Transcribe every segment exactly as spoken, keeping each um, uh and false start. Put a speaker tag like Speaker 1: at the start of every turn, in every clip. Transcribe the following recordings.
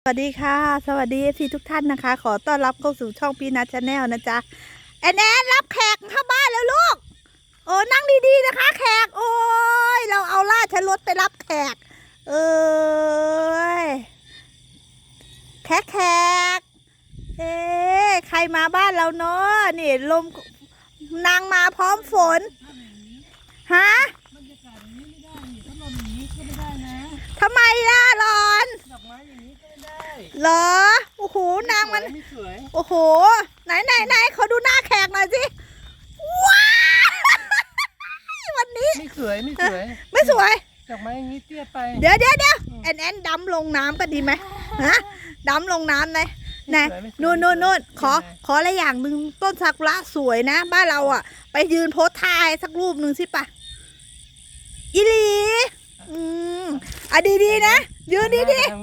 Speaker 1: สวัสดีค่ะสวัสดีพี่ทุกท่านนะคะขอต้อนรับเข้าสู่ช่องพีนัทชาแนลนะจ๊ะแอนแอนรับแขกเข้าบ้านแล้วลูกโอ้นั่งดีๆนะคะแขกโอ้ยเราเอาราชรถไปรับแขกเอ้ยแขกแขกเอ๊ะใครมาบ้านเราเนาะนี่ลมนางมาพร้อมฝนฮะ
Speaker 2: บรรยากาศอย่างนี้ไม่ได้นี่ถ้าลมอย่างนี้ก็ไม่ได้นะ
Speaker 1: ทำไมล่ะร้อน
Speaker 2: ดอกไม้อย่างนี้ก็ไม่ได้
Speaker 1: เหรอโอ้โหนางมัน
Speaker 2: ไม่สวย
Speaker 1: โอ้โหไหนไหนไหนเขาดูหน้าแขกหน่อยสิว้าววันนี้
Speaker 2: ไม่สวยไม่สวย
Speaker 1: ไม่สวย
Speaker 2: ดอกไม้อย่างนี้เตี้ยไป
Speaker 1: เดี๋ยวเดี๋ยวเดี๋ยวแอนแอนดำลงน้ำก็ดีไหมฮะดำลงน้ำเลยนะนู่นนู่นนู่นขอขออะไรอย่างหนึ่งต้นซากุระสวยนะบ้านเราอ่ะไปยืนโพสท่าสักรูปหนึ่งสิปะอีหลีอืมอ่ะดีดีนะยืนดีดี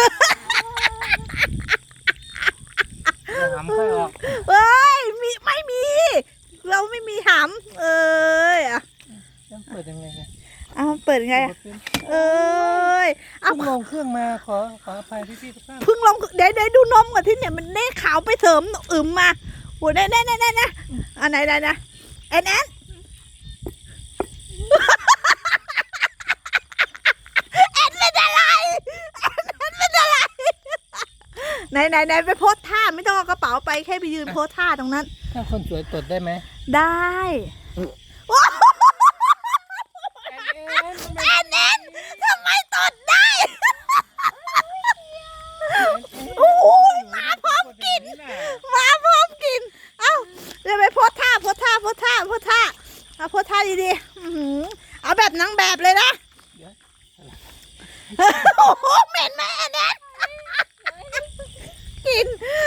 Speaker 2: หำค่อยออก
Speaker 1: เอ้ยมีไม่มีเราไม่มีหำเอ้ยอ่ะ
Speaker 2: เปิดยังไง
Speaker 1: เอาเปิดไงเอ้ย
Speaker 2: เอาลงเครื่องมาขอขออภัยพี่พี่ทุกท่าน
Speaker 1: เพิ่งลงเดี๋ยวเดี๋ยวดูนมก่อนที่เนี่ยมันเน่ขาวไปเสริมอึมมาโหแน่แน่แน่แน่นะอันไหนไหนนะแอนแอนแอนเป็นอะไรแอนเป็นอะไรไหนไหนไหนไปโพสท่าไม่ต้องเอากระเป๋าไปแค่ไปยืนโพสท่าตรงนั้น
Speaker 2: ถ้าคนสวยตดได้ไหม
Speaker 1: ได้แอนแอนทำไมตดได้โอ้ยมาพร้อมกินมาพร้อมกินเอ้าเดี๋ยวไปโพสท่าโพสท่าโพสท่าโพสท่าเอาโพสท่าดีๆเอาแบบนางแบบเลยนะโอ้โหเหม็นไหมแอนแอนกิน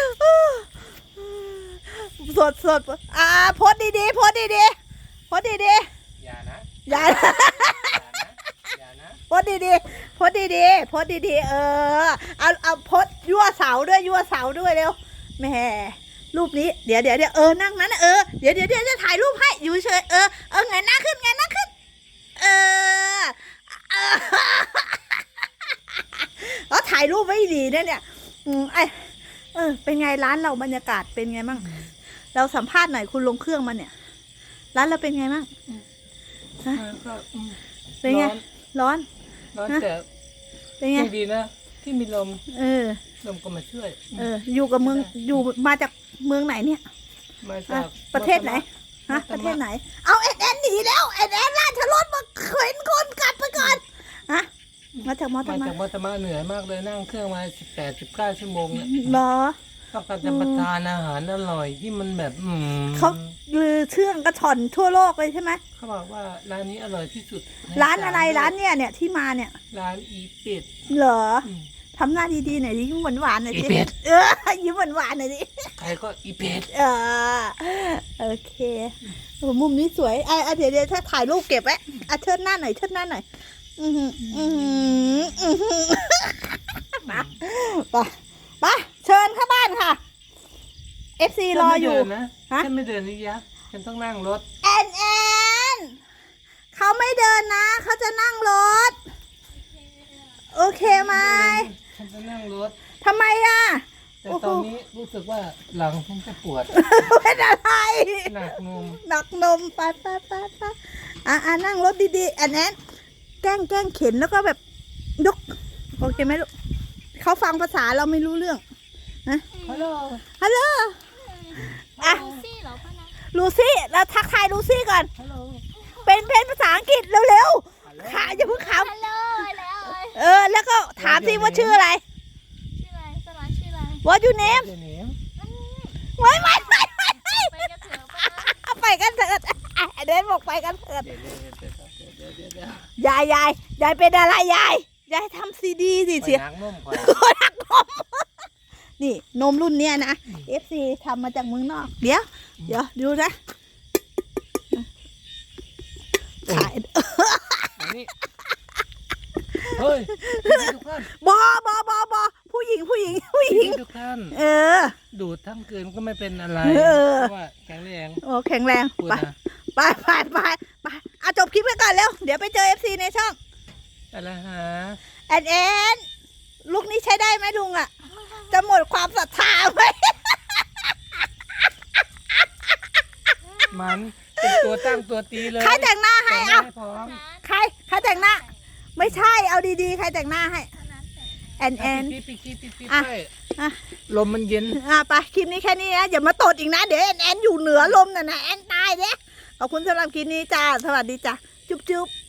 Speaker 1: สดสดอ่าโพสดีๆโพสดีๆโพสดี
Speaker 2: ๆอย่านะ
Speaker 1: อย่านะโพสดีๆโพสดีๆโพสดีๆเออเอาเอาโพสยั่วเสาด้วยยั่วเสาด้วยเร็วแม่รูปนี้เดี๋ยวเดี๋ยวเดี๋ยวเออนั่งนั้นเออเดี๋ยวเดี๋ยวเดี๋ยวจะถ่ายรูปให้อยู่เฉยเออเออไงหน้าขึ้นไงหน้าขึ้นเออเออแล้วถ่ายรูปไว้ดีเนี่ยเนี่ยอืมไอเออเป็นไงร้านเราบรรยากาศเป็นไงมั่งเราสัมภาษณ์หน่อยคุณลงเครื่องมาเนี่ยร้านเราเป็นไงมั่งเป็นไงร้อน
Speaker 2: ร้อนแต่
Speaker 1: เป็นไง
Speaker 2: ดีนะที่มีลม
Speaker 1: เออ
Speaker 2: ลมก็มาช่วย
Speaker 1: เอออยู่กับเมืองอยู่มาจากเมืองไหนเนี่ย
Speaker 2: มาจาก
Speaker 1: ประเทศไหนฮะประเทศไหนเอาแอนแอนหนีแล้วแอนแอนราชรถมาเข็นคนกลับไปก่อนฮะมาจากมอตมา
Speaker 2: จากมอตมาเหนื่อยมากเลยนั่งเครื่องมาสิบแปดสิบเก้าชั่วโมงเนี่ย
Speaker 1: เหรอ
Speaker 2: ต้องการจะประทานอาหารอร่อยที่มันแบบอืม
Speaker 1: เขาลือเชื่องกระชอนทั่วโลกเลยใช่ไหม
Speaker 2: เขาบอกว่าร้านนี้อร่อยที่สุด
Speaker 1: ร้านอะไรร้านเนี่ยเนี่ยที่มาเนี่ย
Speaker 2: ร้านอีเป็ด
Speaker 1: เหรอทำหน้าดีๆหน่อยดิยิ้มหวานๆหน่อยดิ
Speaker 2: อีเป็ด
Speaker 1: เออยิ้มหวานๆหน่อยดิ
Speaker 2: ใครก็อีเป็ด
Speaker 1: เออโอเคโอ้มุมนี้สวยไอ้เดี๋ยวเดี๋ยวถ้าถ่ายรูปเก็บไว้อ่ะเชิดหน้าหน่อยเชิดหน้าหน่อยอือหืออือหืออือหือไปไปไปเชิญเข้าบ้านค่ะเอฟซีรออยู่
Speaker 2: นะฮะฉันไม่เดินนี่ยักษ์ฉันต้องนั่งรถ
Speaker 1: แอนแอนเขาไม่เดินนะเขาจะนั่งรถโอเคไหม
Speaker 2: ฉันจะนั่งรถ
Speaker 1: ทำไมอ่ะ
Speaker 2: แต่ตอนนี้รู้สึกว่าหลังฉันจะปวด
Speaker 1: เป็นอะไร
Speaker 2: หนักนม
Speaker 1: หนักนมไปไปไปไปอ่ะอ่ะนั่งรถดีๆแอนแอนแกล้งแกล้งเข็นแล้วก็แบบยกโอเคไหมลูกเขาฟังภาษาเราไม่รู้เรื่องนะ
Speaker 2: ฮัลโหล
Speaker 1: ฮัลโหลอ่ะลูซี่เราทักทายลูซี่ก่อนเป็นเพลงภาษาอังกฤษเร็วๆขาอย่าเพิ่งขำเออแล้วก็ถามสิว่าชื่ออะไร
Speaker 3: ชื่ออะไรสลาชื่ออะไร
Speaker 1: What your name ไม่ไม่ไม่ไม่ไปกันเถิดเดินบอกไปกันเถิดยายยายยายเป็นอะไรยายยายทำซีดีสิเสีย
Speaker 2: นักนมก่อน
Speaker 1: นักนมนี่นมรุ่นเนี้ยนะ เอฟ ซี ทำมาจากเมืองนอกเดี๋ยวเดี๋ยวดูนะขาย
Speaker 2: เฮ้ยทุกท่าน
Speaker 1: บอบอบอบอผู้หญิงผู้หญิงผู้หญิง
Speaker 2: ทุกท่าน
Speaker 1: เออ
Speaker 2: ดูดทั้งคืนก็ไม่เป็นอะไรเพราะว่าแข็งแรง
Speaker 1: โอ้แข็งแรงไปไปไปไปไปเอาจบคลิปไปก่อนเร็วเดี๋ยวไปเจอ เอฟ ซี ในช่อง
Speaker 2: อะไรฮะ
Speaker 1: แอนแอนลูกนี้ใช้ได้ไหมลุงอ่ะจะหมดความศรัทธาไหม
Speaker 2: มันเป็นตัวตั้งตัวตีเลย
Speaker 1: ใครแต่งหน้าให้
Speaker 2: แต่งหน้า
Speaker 1: เอา
Speaker 2: ให้พร้อม
Speaker 1: ใครใครแต่งหน้า ไม่ใช่เอาดีๆใครแต่งหน้าให้
Speaker 3: ฉะนั้นแต่
Speaker 1: แอนแอน
Speaker 2: ปิดปิดปิดปิดปิด
Speaker 1: อ่ะ
Speaker 2: ให้
Speaker 1: อ่ะ
Speaker 2: ลมมันเย็น
Speaker 1: อ่ะไปคลิปนี้แค่นี้นะอย่ามาตดอีกนะ เดี๋ยวแอนแอนอยู่เหนือลมน่ะนะแอนตายเด้ขอบคุณสำหรับคลิปนี้จ้าสวัสดีจ้าจุ๊บจุ๊บ